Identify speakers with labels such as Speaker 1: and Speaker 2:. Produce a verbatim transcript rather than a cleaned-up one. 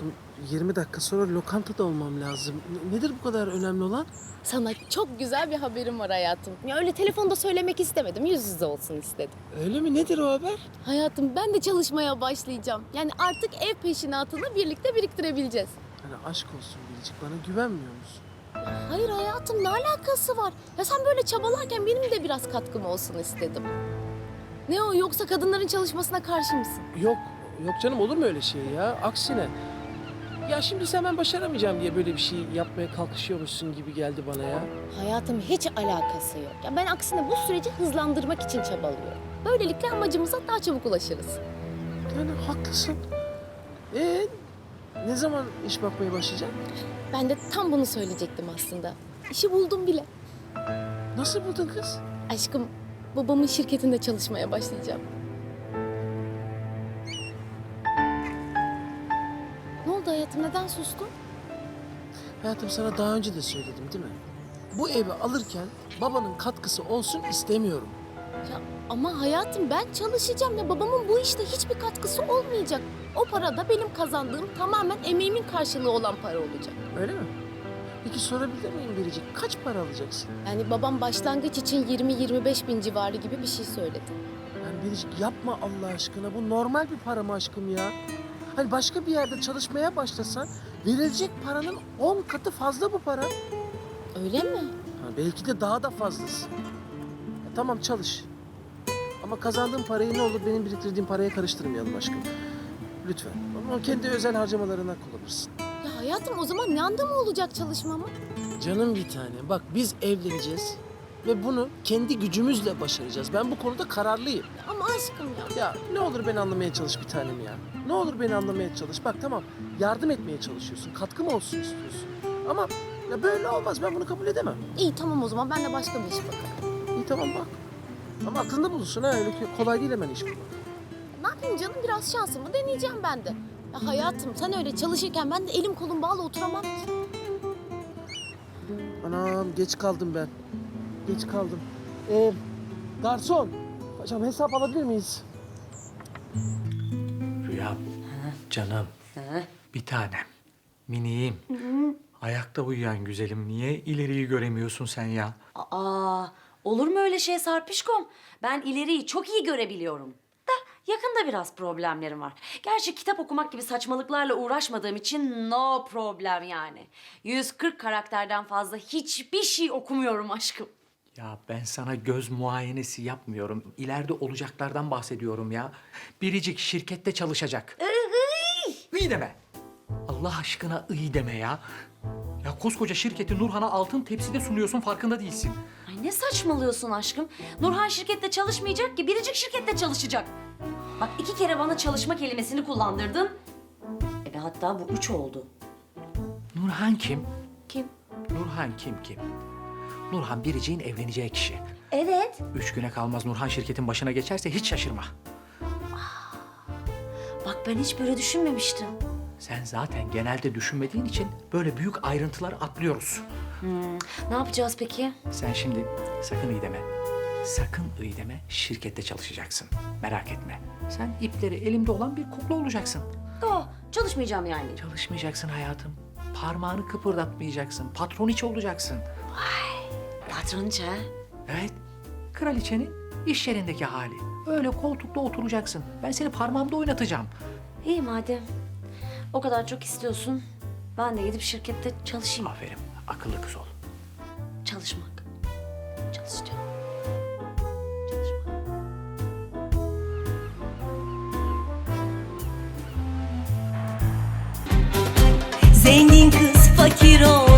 Speaker 1: Aşkım yirmi dakika sonra lokantada olmam lazım. N- nedir bu kadar önemli olan?
Speaker 2: Sana çok güzel bir haberim var hayatım. Ya öyle telefonda söylemek istemedim. Yüz yüze olsun istedim.
Speaker 1: Öyle mi? Nedir o haber?
Speaker 2: Hayatım ben de çalışmaya başlayacağım. Yani artık ev peşinatını birlikte biriktirebileceğiz.
Speaker 1: Hani aşk olsun Biricik, bana güvenmiyor musun?
Speaker 2: Hayır hayatım ne alakası var? Ya sen böyle çabalarken benim de biraz katkım olsun istedim. Ne o yoksa kadınların çalışmasına karşı mısın?
Speaker 1: Yok, yok canım, olur mu öyle şey ya? Aksine. Ya şimdi sen ben başaramayacağım diye böyle bir şey yapmaya kalkışıyormuşsun gibi geldi bana ya.
Speaker 2: Hayatım hiç alakası yok. Ya ben aksine bu süreci hızlandırmak için çabalıyorum. Böylelikle amacımıza daha çabuk ulaşırız.
Speaker 1: Yani haklısın. Ee, ne zaman iş bakmaya başlayacaksın?
Speaker 2: Ben de tam bunu söyleyecektim aslında. İşi buldum bile.
Speaker 1: Nasıl buldun kız?
Speaker 2: Aşkım, babamın şirketinde çalışmaya başlayacağım. Ne oldu hayatım, neden sustun?
Speaker 1: Hayatım sana daha önce de söyledim değil mi? Bu evi alırken babanın katkısı olsun istemiyorum.
Speaker 2: Ya ama hayatım ben çalışacağım ya babamın bu işte hiçbir katkısı olmayacak. O para da benim kazandığım tamamen emeğimin karşılığı olan para olacak.
Speaker 1: Öyle mi? Peki sorabilir miyim Biricik? Kaç para alacaksın?
Speaker 2: Yani babam başlangıç için yirmi yirmi beş bin civarı gibi bir şey söyledi.
Speaker 1: Yani Biricik yapma Allah aşkına. Bu normal bir para mı aşkım ya? Hani başka bir yerde çalışmaya başlasan verilecek paranın on katı fazla bu para.
Speaker 2: Öyle mi?
Speaker 1: Ha, belki de daha da fazlası. Ya tamam çalış. Ama kazandığın parayı ne olur benim biriktirdiğim paraya karıştırmayalım aşkım. Lütfen. Onu kendi özel harcamalarına kullanırsın.
Speaker 2: Ya hayatım o zaman ne anda mı olacak çalışmamı?
Speaker 1: Canım bir tane. Bak biz evleneceğiz. Ve bunu kendi gücümüzle başaracağız. Ben bu konuda kararlıyım.
Speaker 2: Ama aşkım ya.
Speaker 1: Ya ne olur beni anlamaya çalış bir tanem ya. Ne olur beni anlamaya çalış. Bak tamam yardım etmeye çalışıyorsun. Katkım olsun istiyorsun. Ama ya böyle olmaz. Ben bunu kabul edemem.
Speaker 2: İyi tamam o zaman ben de başka bir iş bakarım.
Speaker 1: İyi tamam bak. Ama aklında bulunsun ha. Öyle ki kolay değil hemen iş bulmak.
Speaker 2: Ne yapayım canım biraz şansımı deneyeceğim ben de. Ya hayatım sen öyle çalışırken ben de elim kolum bağlı oturamam ki.
Speaker 1: Anam geç kaldım ben. Geç kaldım. Ee, garson. Hocam hesap alabilir miyiz?
Speaker 3: Rüyam, canım, bir tanem, miniğim. Ayakta uyuyan güzelim. Niye ileriyi göremiyorsun sen ya?
Speaker 4: Aa, olur mu öyle şey Sarpişkom? Ben ileriyi çok iyi görebiliyorum. Da yakında biraz problemlerim var. Gerçi kitap okumak gibi saçmalıklarla uğraşmadığım için no problem yani. yüz kırk karakterden fazla hiçbir şey okumuyorum aşkım.
Speaker 3: Ya ben sana göz muayenesi yapmıyorum. İleride olacaklardan bahsediyorum ya. Biricik şirkette çalışacak. İyi deme. Allah aşkına iyi deme ya. Ya koskoca şirketi Nurhan'a altın tepside sunuyorsun, farkında değilsin.
Speaker 4: Ay ne saçmalıyorsun aşkım? Nurhan şirkette çalışmayacak ki, Biricik şirkette çalışacak. Bak iki kere bana çalışma kelimesini kullandırdın. E be hatta bu üç oldu.
Speaker 3: Nurhan kim?
Speaker 4: Kim?
Speaker 3: Nurhan kim kim? Nurhan Biricik'in evleneceği kişi.
Speaker 4: Evet.
Speaker 3: Üç güne kalmaz Nurhan şirketin başına geçerse hiç şaşırma.
Speaker 4: Bak ben hiç böyle düşünmemiştim.
Speaker 3: Sen zaten genelde düşünmediğin için böyle büyük ayrıntıları atlıyoruz.
Speaker 4: Hmm, ne yapacağız peki?
Speaker 3: Sen şimdi sakın iyi deme. Sakın iyi deme, şirkette çalışacaksın. Merak etme. Sen ipleri elimde olan bir kukla olacaksın.
Speaker 4: Oh, çalışmayacağım yani.
Speaker 3: Çalışmayacaksın hayatım. Parmağını kıpırdatmayacaksın. Patroniçe olacaksın.
Speaker 4: Patronca.
Speaker 3: Evet. Kraliçenin iş yerindeki hali. Öyle koltukta oturacaksın. Ben seni parmağımda oynatacağım.
Speaker 4: İyi madem. O kadar çok istiyorsun. Ben de gidip şirkette çalışayım.
Speaker 3: Aferin. Akıllı kız ol.
Speaker 4: Çalışmak. Çalışacağım. Çalışmak.
Speaker 5: Zengin kız fakir ol